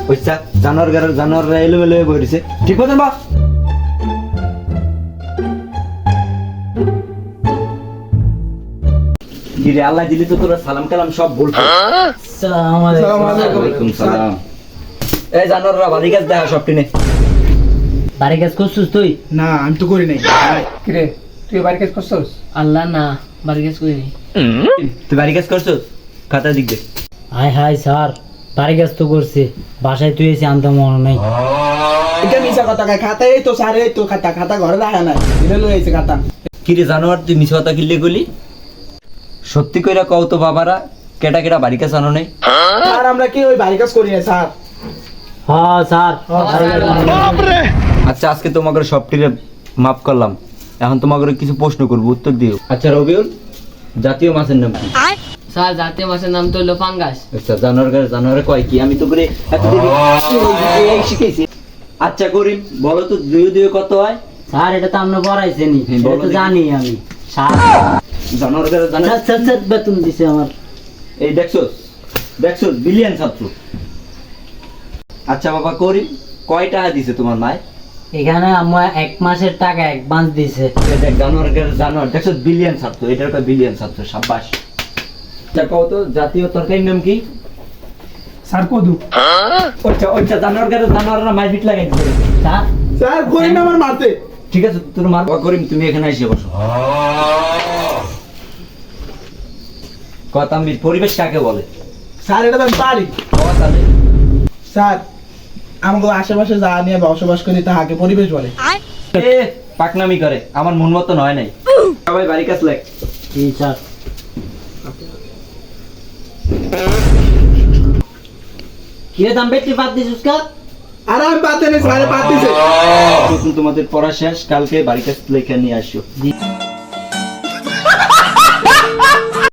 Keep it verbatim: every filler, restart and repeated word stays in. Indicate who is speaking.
Speaker 1: বুঝছা জানোয়ার গাড়ার জানোয়াররা এলোমেলো হয়ে বইছে ঠিক মতন বা গিরে আল্লাহ দিলি তো তোরা সালাম কালাম সব বলছো।
Speaker 2: আসসালামু আলাইকুম।
Speaker 1: ওয়ালাইকুম সালাম। এই জানোয়াররা বাড়ি গাছ দেখা সব টিনে
Speaker 2: বাড়ি কাজ করছিস তুই?
Speaker 3: না আমি তো করি নাই।
Speaker 4: কিরে তুই বাড়ি কাজ করছস?
Speaker 2: আল্লাহ না, বাড়ি কাজ করিনি।
Speaker 1: তুই বাড়ি কাজ করছো খাতা দিক দে।
Speaker 2: হাই হাই স্যার, বাড়ি কাজ তো করছি, বাসায় তুই এসে আনতে মনে নাই।
Speaker 3: এটা মিছা কথা কয়, খাতা এই তো স্যার, এই তো খাতা খাতা ঘরে রাখা নাই, এটা লই আইছে খাতা।
Speaker 1: কিরে জানোয়ার তুই মিছা কথা কিনলে গলি সত্যি কইরা কও তো বাবারা কেটা কেটা বাড়ি কাজ আনো নাই?
Speaker 3: স্যার আমরা কি ওই বাড়ি কাজ করি না স্যার।
Speaker 2: হ্যাঁ স্যার, বাড়ি কাজ করিনি।
Speaker 1: আচ্ছা আজকে তোমাকে সবটিরে মাফ করলাম, এখন তোমাকে কিছু প্রশ্ন করবো উত্তর দিও। আচ্ছা রবিউল, জাতীয় মাছের নাম কি?
Speaker 5: স্যার জাতীয় মাছের নাম তো হলো ফাঙ্গাস।
Speaker 1: আচ্ছা জানোয়ার গাছ জানোয়ারে কয় কি? আমি তো করে এতদিন এই শিখেছি। আচ্ছা করিম বলো তো দুই দুই কত হয়?
Speaker 2: স্যার এটা তো আমরা পড়াইছেনি,
Speaker 1: হ্যাঁ,
Speaker 2: এটা
Speaker 1: বলো
Speaker 2: তো
Speaker 1: দেখি।
Speaker 2: জানি আমি। স্যার
Speaker 1: জানোয়ার গাছ জানো?
Speaker 2: স্যার, স্যার, স্যার, বেতন দিছে আমার।
Speaker 1: এই দেখছোস দেখছোস বিলিয়ন ছাত্র। আচ্ছা বাবা করিম কয় টাকা দিছে তোমার মায়?
Speaker 2: এখানে আমার এক মাসের টাকা অ্যাডভান্স দিছে।
Speaker 1: এই দেখ জানোয়ার গাছ জানোয়ার দেখছোস বিলিয়ন ছাত্র, এটার কয় বিলিয়ন ছাত্র। সাব্বাস। আচ্ছা কও তো জাতীয় তরকারির নাম কি?
Speaker 4: স্যার কদু।
Speaker 1: আচ্ছা আচ্ছা জানোয়ার গাছ জানোয়াররা মারপিট লাগাই দিছে।
Speaker 2: স্যার
Speaker 3: স্যার করি না আমার মারতে।
Speaker 1: ঠিক আছে তোর মার বাবা করিম তুমি এখানে এসে বসো। কথাম্বির পরিবেশ কাকে বলে?
Speaker 3: স্যার এটা তো আমি পারি।
Speaker 1: বাবা তাহলে
Speaker 3: স্যার আমাকে আশেপাশে যা নিয়ে বসবাস করি তাহাকে পরিবেশ বলে।
Speaker 1: এ পাকনামি করে, আমার মন মতো নয় নাই। সবাই বাড়ি কাজ লেখ।
Speaker 2: জি স্যার। কিরে দাম বেশি বাদ দিছিস কা?
Speaker 3: আর আমি পাতে নেই, স্যারে পাত দিছে।
Speaker 1: তোমাদের পড়া শেষ, কালকে বাড়ি কাজ লেখা নিয়ে আসো।
Speaker 2: জি।